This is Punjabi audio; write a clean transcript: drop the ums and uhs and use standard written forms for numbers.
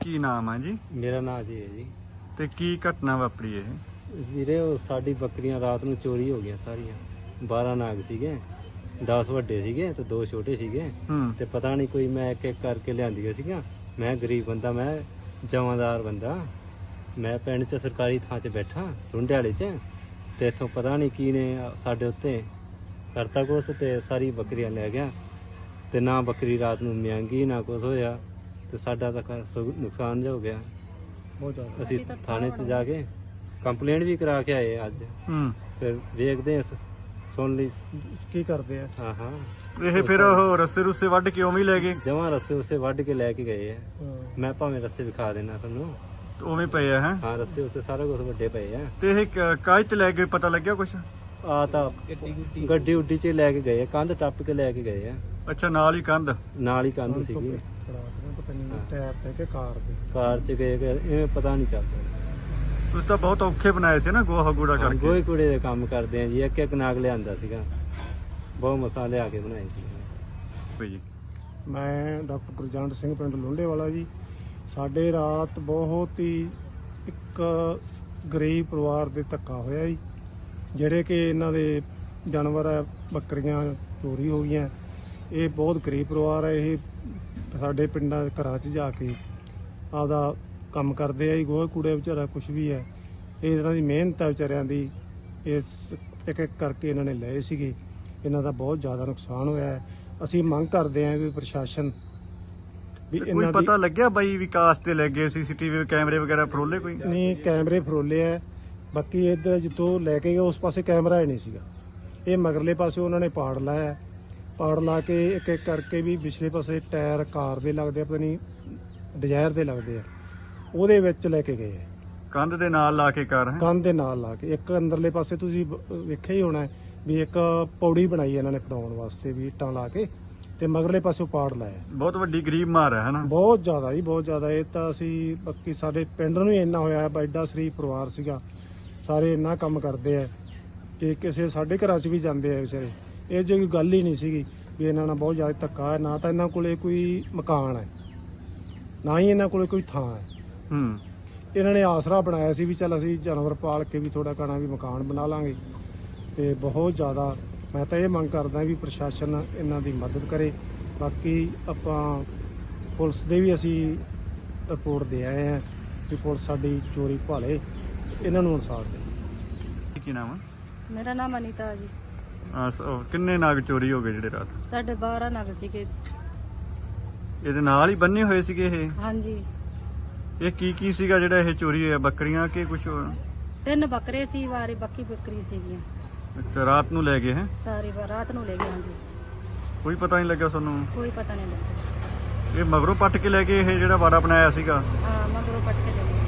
ਕੀ ਨਾਮ ਹੈ ਜੀ? ਮੇਰਾ ਨਾਂ ਜੀ ਹੈ ਜੀ। ਤੇ ਕੀ ਘਟਨਾ ਵਾਪਰੀ ਇਹ? ਵੀਰੇ ਉਹ ਸਾਡੀ ਬੱਕਰੀਆਂ ਰਾਤ ਨੂੰ ਚੋਰੀ ਹੋ ਗਈਆਂ ਸਾਰੀਆਂ। 12 ਨਾਗ ਸੀਗੇ, 10 ਵੱਡੇ ਸੀਗੇ ਤੇ 2 ਛੋਟੇ ਸੀਗੇ। ਤੇ ਪਤਾ ਨਹੀਂ ਕੋਈ ਮੈਂ ਇੱਕ ਇੱਕ ਕਰਕੇ ਲਿਆਂਦੀਆਂ ਸੀਗੀਆਂ। ਮੈਂ ਗਰੀਬ ਬੰਦਾ, ਮੈਂ ਜਮਾਦਾਰ ਬੰਦਾ, ਮੈਂ ਪਿੰਡ 'ਚ ਸਰਕਾਰੀ ਥਾਂ 'ਚ ਬੈਠਾ ਰੁੰਡੇ ਵਾਲੇ 'ਚ, ਤੇ ਇੱਥੋਂ ਪਤਾ ਨਹੀਂ ਕੀ ਨੇ ਸਾਡੇ ਉੱਤੇ ਕਰਤਾ ਕੁਛ ਤੇ ਸਾਰੀ ਬੱਕਰੀਆਂ ਲੈ ਗਿਆ। ਤੇ ਨਾ ਬੱਕਰੀ ਰਾਤ ਨੂੰ ਮਿਆਂਗੀ ਨਾ ਕੁਛ ਹੋਇਆ, ਤੇ ਸਾਡਾ ਤਾਂ ਨੁਕਸਾਨ ਜਿਹਾ ਹੋ ਗਿਆ ਬਹੁਤ ਜ਼ਿਆਦਾ। ਅਸੀਂ ਥਾਣੇ 'ਚ ਜਾ ਕੇ ਕੰਪਲੇਂਟ ਵੀ ਕਰਾ ਕੇ ਆਏ ਅੱਜ। ਫਿਰ ਵੇਖਦੇ ਆ, ਸੁਣ ਲਈ ਕੀ ਕਰਦੇ ਆ। ਹਾਂ ਇਹ ਫਿਰ ਉਹ ਰੱਸੇ ਰੁੱਸੇ ਵੱਢ ਕੇ ਉਵੇਂ ਹੀ ਲੈ ਗਏ? ਜਮਾਂ ਰੱਸੇ ਉਸੇ ਵੱਢ ਕੇ ਲੈ ਕੇ ਗਏ ਆ। ਮੈਂ ਭਾਵੇਂ ਰੱਸੇ ਵਿਖਾ ਦੇਣਾ ਤੁਹਾਨੂੰ। ਉਵੇਂ ਪਏ ਆ? ਹੈ ਹਾਂ, ਰੱਸੇ ਉਸੇ ਸਾਰਾ ਕੁਝ ਵੱਡੇ ਪਏ ਆ। ਤੇ ਇਹ ਕਾਹਦੇ ਤੇ ਲੈ ਗਏ, ਪਤਾ ਲੱਗਿਆ ਕੁਛ? ਆ ਤਾਂ ਗੱਡੀ ਉੱਡੀ 'ਚ ਲੈ ਕੇ ਗਏ ਆ, ਕੰਧ ਟੱਪ ਕੇ ਲੈ ਕੇ ਗਏ ਆ। ਅੱਛਾ, ਨਾਲ ਹੀ ਕੰਧ? ਨਾਲ ਹੀ ਕੰਧ ਸੀਗੀ। ਟਾਇਰ ਤੇ ਕਿ ਕਾਰ 'ਚ ਗਏ, ਇਹ ਪਤਾ ਨਹੀਂ ਚੱਲਦਾ। ਤੁਸੀਂ ਤਾਂ ਬਹੁਤ ਔਖੇ ਬਣਾਏ ਸੀ ਨਾ, ਗੋਹਾ ਗੂੜਾ ਕਰਕੇ। ਗੋਹੇ ਕੂੜੇ ਦੇ ਕੰਮ ਕਰਦੇ ਆ ਜੀ। ਇੱਕ ਇੱਕ ਨਾਗ ਲਿਆਂਦਾ ਸੀਗਾ, ਬਹੁਤ ਮਸਾਂ ਲਿਆ ਕੇ ਬਣਾਏ ਸੀ ਜੀ। ਮੈਂ ਡਾਕਟਰ ਗੁਰਜੰਟ ਸਿੰਘ, ਪਿੰਡ ਲੁੰਡੇ ਵਾਲਾ ਜੀ। ਸਾਡੇ ਰਾਤ ਬਹੁਤ ਹੀ ਇੱਕ ਗਰੀਬ ਪਰਿਵਾਰ ਦੇ ਧੱਕਾ ਹੋਇਆ ਜੀ, ਜਿਹੜੇ ਕਿ ਇਹਨਾਂ ਦੇ ਜਾਨਵਰ ਹੈ, ਬੱਕਰੀਆਂ ਚੋਰੀ ਹੋ ਗਈਆਂ। ਇਹ ਬਹੁਤ ਗਰੀਬ ਪਰਿਵਾਰ ਹੈ। ਇਹ ਸਾਡੇ ਪਿੰਡਾਂ ਘਰਾਂ 'ਚ ਜਾ ਕੇ ਆਪਦਾ ਕੰਮ ਕਰਦੇ ਆ ਜੀ। ਗੋਹੇ ਕੂੜੇ ਵਿਚਾਰਾ ਕੁਛ ਵੀ ਹੈ, ਇਹ ਇਹਨਾਂ ਦੀ ਮਿਹਨਤ ਹੈ ਵਿਚਾਰਿਆਂ ਦੀ। ਇਹ ਇੱਕ ਇੱਕ ਕਰਕੇ ਇਹਨਾਂ ਨੇ ਲਏ ਸੀਗੇ। ਇਹਨਾਂ ਦਾ ਬਹੁਤ ਜ਼ਿਆਦਾ ਨੁਕਸਾਨ ਹੋਇਆ ਹੈ। ਅਸੀਂ ਮੰਗ ਕਰਦੇ ਹਾਂ ਵੀ ਪ੍ਰਸ਼ਾਸਨ ਵੀ ਕੋਈ ਪਤਾ ਲੱਗਿਆ ਬਾਈ ਵਿਕਾਸ ਤੇ ਲੈ ਗਏ? CCTV ਕੈਮਰੇ ਵਗੈਰਾ ਫਰੋਲੇ ਕੋਈ? ਨਹੀਂ, ਕੈਮਰੇ ਫਰੋਲੇ ਆ। ਬਾਕੀ ਇੱਧਰ ਜਿੱਥੋਂ ਲੈ ਕੇ ਗਏ ਉਸ ਪਾਸੇ ਕੈਮਰਾ ਹੀ ਨਹੀਂ ਸੀਗਾ। ਇਹ ਮਗਰਲੇ ਪਾਸੇ ਉਹਨਾਂ ਨੇ ਪਾੜ ਲਾਇਆ। ਪਾੜ ਲਾ ਕੇ ਇੱਕ ਇੱਕ ਕਰਕੇ ਵੀ ਪਿਛਲੇ ਪਾਸੇ ਟਾਇਰ ਕਾਰ ਦੇ ਲੱਗਦੇ ਆ, ਪਤਾ ਨਹੀਂ ਡਿਜ਼ਾਇਰ ਦੇ ਲੱਗਦੇ ਆ, ਉਹਦੇ ਵਿੱਚ ਲੈ ਕੇ ਗਏ। ਕੰਧ ਦੇ ਨਾਲ ਲਾ ਕੇ ਕਰ? ਕੰਧ ਦੇ ਨਾਲ ਲਾ ਕੇ। ਇੱਕ ਅੰਦਰਲੇ ਪਾਸੇ ਤੁਸੀਂ ਵੇਖਿਆ ਹੀ ਹੋਣਾ ਵੀ ਇੱਕ ਪੌੜੀ ਬਣਾਈ ਇਹਨਾਂ ਨੇ ਫੜਾਉਣ ਵਾਸਤੇ, ਵੀ ਇੱਟਾਂ ਲਾ ਕੇ, ਤੇ ਮਗਰਲੇ ਪਾਸੋਂ ਪਾੜ ਲਾਇਆ। ਬਹੁਤ ਵੱਡੀ ਗਰੀਬ ਮਾਰ ਹੈ ਨਾ? ਬਹੁਤ ਜ਼ਿਆਦਾ ਜੀ, ਬਹੁਤ ਜ਼ਿਆਦਾ। ਇਹ ਤਾਂ ਅਸੀਂ ਬਾਕੀ ਸਾਡੇ ਪਿੰਡ ਨੂੰ ਹੀ ਇੰਨਾ ਹੋਇਆ, ਐਡਾ ਸ਼ਰੀਫ ਪਰਿਵਾਰ ਸੀਗਾ, ਸਾਰੇ ਇੰਨਾ ਕੰਮ ਕਰਦੇ ਆ ਕਿ ਕਿਸੇ ਸਾਡੇ ਘਰਾਂ 'ਚ ਵੀ ਜਾਂਦੇ ਆ ਵਿਚਾਰੇ। ਇਹ ਜਿਹੀ ਗੱਲ ਹੀ ਨਹੀਂ ਸੀਗੀ ਵੀ ਇਹਨਾਂ ਨਾਲ ਬਹੁਤ ਜ਼ਿਆਦਾ ਧੱਕਾ ਹੈ। ਨਾ ਤਾਂ ਇਹਨਾਂ ਕੋਲੇ ਕੋਈ ਮਕਾਨ ਹੈ, ਨਾ ਹੀ ਇਹਨਾਂ ਕੋਲੇ ਕੋਈ ਥਾਂ ਹੈ। ਇਹਨਾਂ ਨੇ ਆਸਰਾ ਬਣਾਇਆ ਸੀ ਵੀ ਚੱਲ ਅਸੀਂ ਜਾਨਵਰ ਪਾਲ ਕੇ ਵੀ ਥੋੜਾ ਘਣਾ ਵੀ ਮਕਾਨ ਬਣਾ ਲਾਂਗੇ। ਤੇ ਬਹੁਤ ਜ਼ਿਆਦਾ ਮੈਂ ਤਾਂ ਇਹ ਮੰਗ ਕਰਦਾ ਵੀ ਪ੍ਰਸ਼ਾਸਨ ਇਹਨਾਂ ਦੀ ਮਦਦ ਕਰੇ। ਬਾਕੀ ਆਪਾਂ ਪੁਲਿਸ ਦੇ ਵੀ ਅਸੀਂ ਰਿਪੋਰਟ ਦੇ ਆਏ ਹਾਂ ਕਿ ਪੁਲਿਸ ਸਾਡੀ ਚੋਰੀ ਭਾਲੇ, ਇਹਨਾਂ ਨੂੰ ਇਨਸਾਫ ਦੇ। ਕੀ ਨਾਮ ਹੈ? ਮੇਰਾ ਨਾਮ ਅਨੀਤਾ ਜੀ। ਕਿੰਨੇ ਨਾਗ ਚੋਰੀ ਹੋ ਗਏ ਜਿਹੜੇ ਰਾਤ? ਸਾਡੇ 12 ਨਗ ਸੀਗੇ। ਇਹਦੇ ਨਾਲ ਹੀ ਬੰਨੇ ਹੋਏ ਸੀਗੇ ਇਹ? ਹਾਂਜੀ। ਇਹ ਕੀ ਸੀਗਾ ਜਿਹੜਾ ਇਹ ਚੋਰੀ ਹੋਇਆ? ਬੱਕਰੀਆਂ ਕਿ ਕੁਝ ਹੋਰ? 3 ਬੱਕਰੇ ਸੀ, ਵਾਰੀ ਬਾਕੀ ਬੱਕਰੀ ਸੀਗੀਆਂ। ਅੱਛਾ, ਰਾਤ ਨੂੰ ਲੈ ਗਏ? ਹੈ ਸਾਰੀ ਰਾਤ ਨੂੰ ਲੈ ਗਏ। ਹਾਂਜੀ, ਕੋਈ ਪਤਾ ਨਹੀਂ ਲੱਗਾ ਤੁਹਾਨੂੰ? ਕੋਈ ਪਤਾ ਨਹੀਂ ਲੱਗਾ। ਇਹ ਮਗਰੋਂ ਪੱਟ ਕੇ ਲੈ ਗਏ ਇਹ ਜਿਹੜਾ ਵਾੜਾ ਬਣਾਇਆ ਸੀਗਾ? ਹਾਂ, ਮਗਰੋਂ ਪੱਟ ਕੇ ਲੈ ਗਏ।